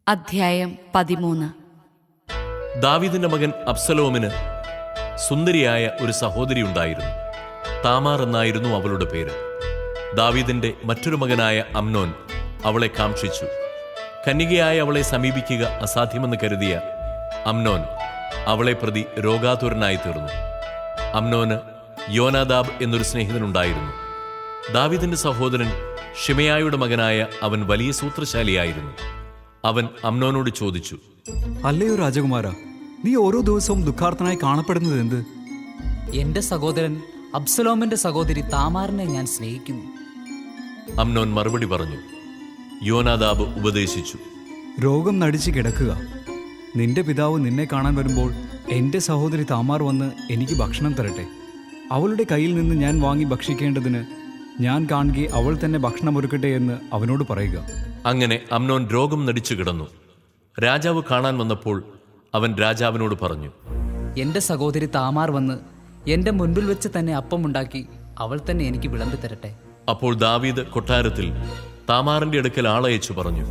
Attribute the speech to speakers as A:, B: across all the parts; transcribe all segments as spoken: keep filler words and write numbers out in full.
A: അധ്യായം പതിമൂന്ന്.
B: ദാവീദിന്റെ മകൻ അബ്സലോമിന് സുന്ദരിയായ ഒരു സഹോദരി ഉണ്ടായിരുന്നു. താമാർ എന്നായിരുന്നു അവളുടെ പേര്. ദാവീദിന്റെ മറ്റൊരു മകനായ അമ്നോൻ അവളെ കാംക്ഷിച്ചു. കന്യകയായ അവളെ സമീപിക്കുക അസാധ്യമെന്ന് കരുതിയ അമ്നോൻ അവളെ പ്രതി രോഗാതുരനായി തീർന്നു. അമ്നോന് യോനാദാബ് എന്നൊരു സ്നേഹിതനുണ്ടായിരുന്നു. ദാവീദിന്റെ സഹോദരൻ ഷിമയായുടെ മകനായ അവൻ വലിയ സൂത്രശാലിയായിരുന്നു. അവൻ അമ്നോനോട് ചോദിച്ചു,
C: അല്ലയോ രാജകുമാര, നീ ഓരോ ദിവസവും ദുഃഖാർത്ഥനായി കാണപ്പെടുന്നത് എന്ത്?
D: എന്റെ സഹോദരൻ അബ്സലോമിന്റെ സഹോദരി താമാറിനെ ഞാൻ സ്നേഹിക്കുന്നു.
B: അമ്നോൻ മറുപടി പറഞ്ഞു. യോനാദാബ് ഉപദേശിച്ചു,
C: രോഗം നടിച്ച് കിടക്കുക. നിന്റെ പിതാവ് നിന്നെ കാണാൻ വരുമ്പോൾ എൻ്റെ സഹോദരി താമാർ വന്ന് എനിക്ക് ഭക്ഷണം തരട്ടെ. അവളുടെ കയ്യിൽ നിന്ന് ഞാൻ വാങ്ങി ഭക്ഷിക്കേണ്ടതിന് ഞാൻ കാണുകെ അവൾ തന്നെ ഭക്ഷണം ഒരുക്കട്ടെ എന്ന് അവനോട് പറയുക.
B: അങ്ങനെ അമ്നോൻ രോഗം നടിച്ചു കിടന്നു. രാജാവ് കാണാൻ വന്നപ്പോൾ അവൻ രാജാവിനോട് പറഞ്ഞു,
D: എന്റെ സഹോദരി താമാർ വന്ന് എന്റെ മുൻപിൽ വെച്ച് തന്നെ അപ്പമുണ്ടാക്കി അവൾ തന്നെ എനിക്ക് വിളമ്പി തരട്ടെ.
B: അപ്പോൾ ദാവീദ് കൊട്ടാരത്തിൽ താമാറിന്റെ അടുക്കൽ ആളയച്ചു പറഞ്ഞു,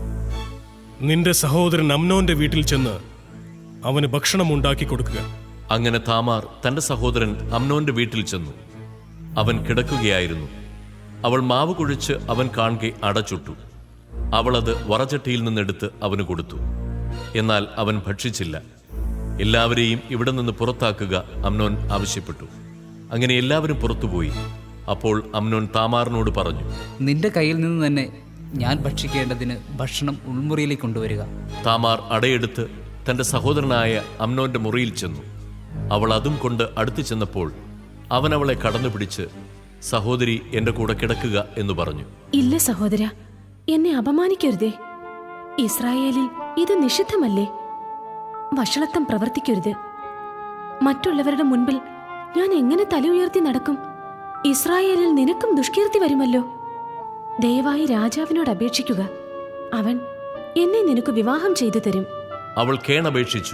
E: നിന്റെ സഹോദരൻ അമ്നോന്റെ വീട്ടിൽ ചെന്ന് അവന് ഭക്ഷണം ഉണ്ടാക്കി കൊടുക്കുക.
B: അങ്ങനെ താമാർ തന്റെ സഹോദരൻ അമ്നോന്റെ വീട്ടിൽ ചെന്നു. അവൻ കിടക്കുകയായിരുന്നു. അവൾ മാവ് കുഴിച്ച് അവൻ കാണെ അടച്ചുട്ടു. അവൾ അത് വറചട്ടിയിൽ നിന്നെടുത്ത് അവന് കൊടുത്തു. എന്നാൽ അവൻ ഭക്ഷിച്ചില്ല. എല്ലാവരെയും ഇവിടെ നിന്ന് പുറത്താക്കുക അമ്നോൻ ആവശ്യപ്പെട്ടു. അങ്ങനെ എല്ലാവരും പുറത്തുപോയി. അപ്പോൾ അമ്നോൻ താമാറിനോട് പറഞ്ഞു,
D: നിന്റെ കയ്യിൽ നിന്ന് തന്നെ ഞാൻ ഭക്ഷിക്കേണ്ടതിന് ഭക്ഷണം ഉൾമുറിയിലേക്ക് കൊണ്ടുവരിക.
B: താമാർ അടയെടുത്ത് തന്റെ സഹോദരനായ അമ്നോന്റെ മുറിയിൽ ചെന്നു. അവൾ അതും കൊണ്ട് അടുത്തു ചെന്നപ്പോൾ അവൻ അവളെ കടന്നുപിടിച്ച്, സഹോദരി എന്റെ കൂടെ കിടക്കുക എന്ന് പറഞ്ഞു.
F: ഇല്ല സഹോദര, എന്നെ അപമാനിക്കരുതേ. ഇസ്രായേലിൽ ഇത് നിഷിദ്ധമല്ലേ? വഷളത്വം പ്രവർത്തിക്കരുത്. മറ്റുള്ളവരുടെ മുൻപിൽ ഞാൻ എങ്ങനെ തല ഉയർത്തി നടക്കും? ഇസ്രായേലിൽ നിനക്കും ദുഷ്കീർത്തി വരുമല്ലോ. ദയവായി രാജാവിനോട് അപേക്ഷിക്കുക. അവൻ എന്നെ നിനക്ക് വിവാഹം ചെയ്തു തരും.
B: അവൾ കേണപേക്ഷിച്ചു.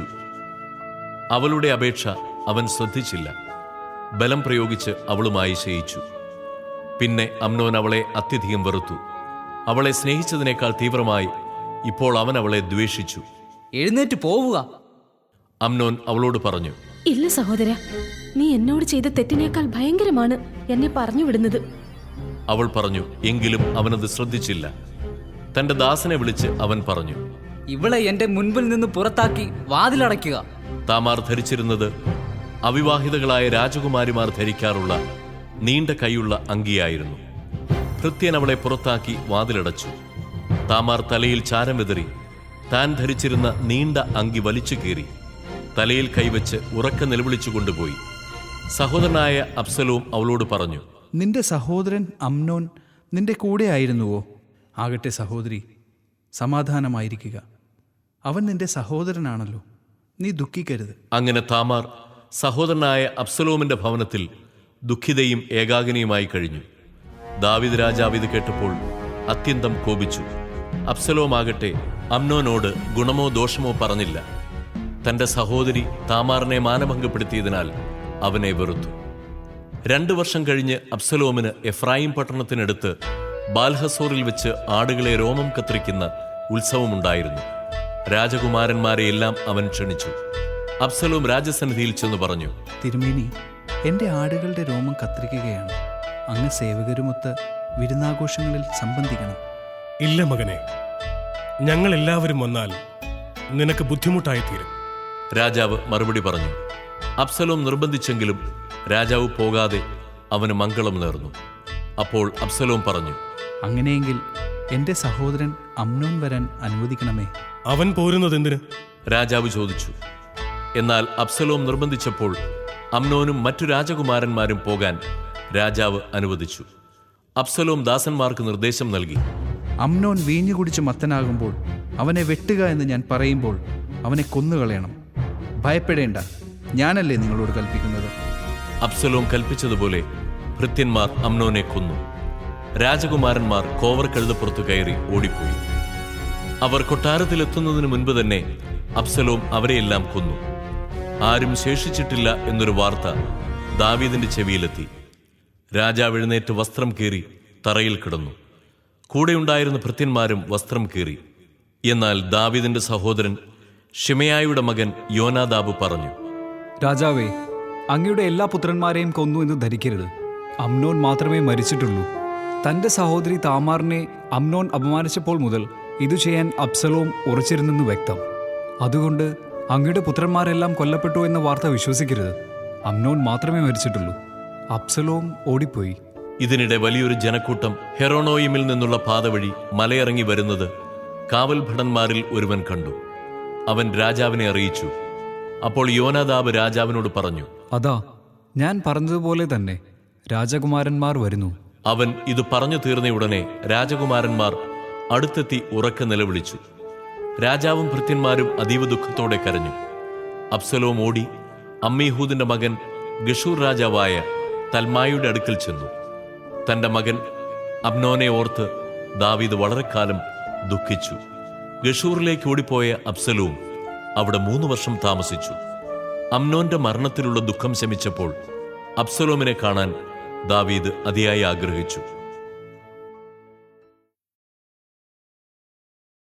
B: അവളുടെ അപേക്ഷ അവൻ ശ്രദ്ധിച്ചില്ല. ബലം പ്രയോഗിച്ച് അവളുമായി ശയിച്ചു. പിന്നെ അമ്നോൻ അവളെ അത്യധികം വെറുത്തു. അവളെ സ്നേഹിച്ചതിനേക്കാൾ തീവ്രമായി ഇപ്പോൾ അവൻ അവളെ ദ്വേഷിച്ചു.
D: എഴുന്നേറ്റ് പോവുക.
B: അമ്നോൻ അവളോട് പറഞ്ഞു,
F: ഇല്ല സഹോദര, നീ എന്നോട് ചെയ്ത തെറ്റിനേക്കാൾ ഭയങ്കരമാണ് എന്നെ പറഞ്ഞു വിടുന്നത്.
B: അവൾ പറഞ്ഞു. എങ്കിലും അവനത് ശ്രദ്ധിച്ചില്ല. തന്റെ ദാസനെ വിളിച്ച് അവൻ പറഞ്ഞു,
D: ഇവളെ എന്റെ മുൻപിൽ നിന്ന് പുറത്താക്കി വാതിലടയ്ക്കുക.
B: താമാർ ധരിച്ചിരുന്നത് അവിവാഹിതകളായ രാജകുമാരിമാർ ധരിക്കാറുള്ള നീണ്ട കൈയുള്ള അങ്കിയായിരുന്നു. ഭൃത്യൻ അവളെ പുറത്താക്കി വാതിലടച്ചു. താമാർ തലയിൽ ചാരം വിതറി താൻ ധരിച്ചിരുന്ന നീണ്ട അങ്കി വലിച്ചു കീറി തലയിൽ കൈവച്ച് ഉറക്കെ നിലവിളിച്ചു കൊണ്ടുപോയി. സഹോദരനായ അബ്സലോം അവളോട് പറഞ്ഞു,
G: നിന്റെ സഹോദരൻ അമ്നോൻ നിന്റെ കൂടെ ആയിരുന്നുവോ? ആകട്ടെ സഹോദരി, സമാധാനമായിരിക്കുക. അവൻ നിന്റെ സഹോദരനാണല്ലോ, നീ ദുഃഖിക്കരുത്.
B: അങ്ങനെ താമാർ സഹോദരനായ അബ്സലോമിന്റെ ഭവനത്തിൽ ദുഃഖിതയും ഏകാകിനിയുമായി കഴിഞ്ഞു. ദാവീദ് രാജാവ് ഇത് കേട്ടപ്പോൾ അത്യന്തം കോപിച്ചു. അബ്സലോമാകട്ടെ അമ്നോനോട് ഗുണമോ ദോഷമോ പറഞ്ഞില്ല. തന്റെ സഹോദരി താമാറിനെ മാനഭംഗപ്പെടുത്തിയതിനാൽ അവനെ വെറുത്തു. രണ്ടു വർഷം കഴിഞ്ഞ് അബ്സലോമിന് എഫ്രായിം പട്ടണത്തിനടുത്ത് ബാൽഹസോറിൽ വെച്ച് ആടുകളെ രോമം കത്രിക്കുന്ന ഉത്സവമുണ്ടായിരുന്നു. രാജകുമാരന്മാരെയെല്ലാം അവൻ ക്ഷണിച്ചു. അബ്സലോം രാജസന്നിധിയിൽ ചെന്ന് പറഞ്ഞു,
G: തിരുമേനി, എൻ്റെ ആടുകളുടെ രോമം കത്തിരിക്കുകയാണ്. അങ്ങ് സേവകരുമൊത്ത് വിരുന്നാഘോഷങ്ങളിൽ സംബന്ധിക്കണം.
E: ഇല്ല മകനെ, ഞങ്ങൾ എല്ലാവരും വന്നാൽ നിനക്ക് ബുദ്ധിമുട്ടായിത്തീരും.
B: രാജാവ് മറുപടി പറഞ്ഞു. അബ്സലോം നിർബന്ധിച്ചെങ്കിലും രാജാവ് പോകാതെ അവന് മംഗളം നേർന്നു. അപ്പോൾ അബ്സലോം പറഞ്ഞു,
G: അങ്ങനെയെങ്കിൽ എൻ്റെ സഹോദരൻ അമ്നോൻ വരാൻ അനുവദിക്കണമേ.
E: അവൻ പോരുന്നത് എന്തിന്?
B: രാജാവ് ചോദിച്ചു. എന്നാൽ അബ്സലോം നിർബന്ധിച്ചപ്പോൾ അമ്നോനും മറ്റു രാജകുമാരന്മാരും പോകാൻ രാജാവ് അനുവദിച്ചു. അബ്സലോം ദാസന്മാർക്ക് നിർദ്ദേശം നൽകി,
G: അമ്നോൻ വീഞ്ഞു കുടിച്ച് മത്തനാകുമ്പോൾ അവനെ വെട്ടുക എന്ന് ഞാൻ പറയുമ്പോൾ അവനെ കൊന്നുകളയണം. ഭയപ്പെടേണ്ട, ഞാനല്ലേ നിങ്ങളോട് കൽപ്പിക്കുന്നത്.
B: അബ്സലോം കൽപ്പിച്ചതുപോലെ ഭൃത്യന്മാർ അമ്നോനെ കൊന്നു. രാജകുമാരന്മാർ കോവർ കഴുതപ്പുറത്തു കയറി ഓടിപ്പോയി. അവർ കൊട്ടാരത്തിലെത്തുന്നതിന് മുൻപ് തന്നെ അബ്സലോം അവരെയെല്ലാം കൊന്നു. ആരും ശേഷിച്ചിട്ടില്ല എന്നൊരു വാർത്ത ദാവീദിന്റെ ചെവിയിലെത്തി. രാജാവ് എഴുന്നേറ്റ് വസ്ത്രം കീറി തറയിൽ കിടന്നു. കൂടെയുണ്ടായിരുന്ന ഭൃത്യന്മാരും വസ്ത്രം കീറി. എന്നാൽ ദാവീദിന്റെ സഹോദരൻ ഷിമെയായുടെ മകൻ യോനാദാബ് പറഞ്ഞു,
C: രാജാവേ, അങ്ങയുടെ എല്ലാ പുത്രന്മാരെയും കൊന്നു എന്ന് ധരിക്കരുത്. അമ്നോൻ മാത്രമേ മരിച്ചിട്ടുള്ളൂ. തൻ്റെ സഹോദരി താമാറിനെ അമ്നോൻ അപമാനിച്ചപ്പോൾ മുതൽ ഇത് ചെയ്യാൻ അബ്സലോം ഉറച്ചിരുന്നെന്ന് വ്യക്തം. അതുകൊണ്ട് അങ്ങയുടെ പുത്രന്മാരെല്ലാം കൊല്ലപ്പെട്ടു എന്ന വാർത്ത വിശ്വസിക്കരുത്. അമ്നോൻ മാത്രമേ മരിച്ചിട്ടുള്ളൂ. അബ്സലോം ഓടിപ്പോയി.
B: ഇതിനിടെ വലിയൊരു ജനക്കൂട്ടം ഹെറോണോയിമിൽ നിന്നുള്ള പാത വഴി മലയിറങ്ങി വരുന്നത് കാവൽ ഭടന്മാരിൽ ഒരുവൻ കണ്ടു. അവൻ രാജാവിനെ അറിയിച്ചു. അപ്പോൾ യോനാദാബ് രാജാവിനോട് പറഞ്ഞു,
C: അതാ, ഞാൻ പറഞ്ഞതുപോലെ തന്നെ രാജകുമാരന്മാർ വരുന്നു.
B: അവൻ ഇത് പറഞ്ഞു തീർന്നയുടനെ രാജകുമാരന്മാർ അടുത്തെത്തി ഉറക്കെ നിലവിളിച്ചു. രാജാവും ഭൃത്യന്മാരും അതീവ ദുഃഖത്തോടെ കരഞ്ഞു. അബ്സലോം ഓടി അമ്മീഹൂദിന്റെ മകൻ ഗഷൂർ രാജാവായ തൽമായുടെ അടുക്കൽ ചെന്നു. തന്റെ മകൻ അബ്നോനെ ഓർത്ത് ദാവീദ് വളരെ കാലം ദുഃഖിച്ചു. ഗഷൂറിലേക്ക് ഓടിപ്പോയ അബ്സലോം അവിടെ മൂന്ന് വർഷം താമസിച്ചു. അമ്നോന്റെ മരണത്തിലുള്ള ദുഃഖം ശമിച്ചപ്പോൾ അബ്സലോമിനെ കാണാൻ ദാവീദ് അതിയായി ആഗ്രഹിച്ചു.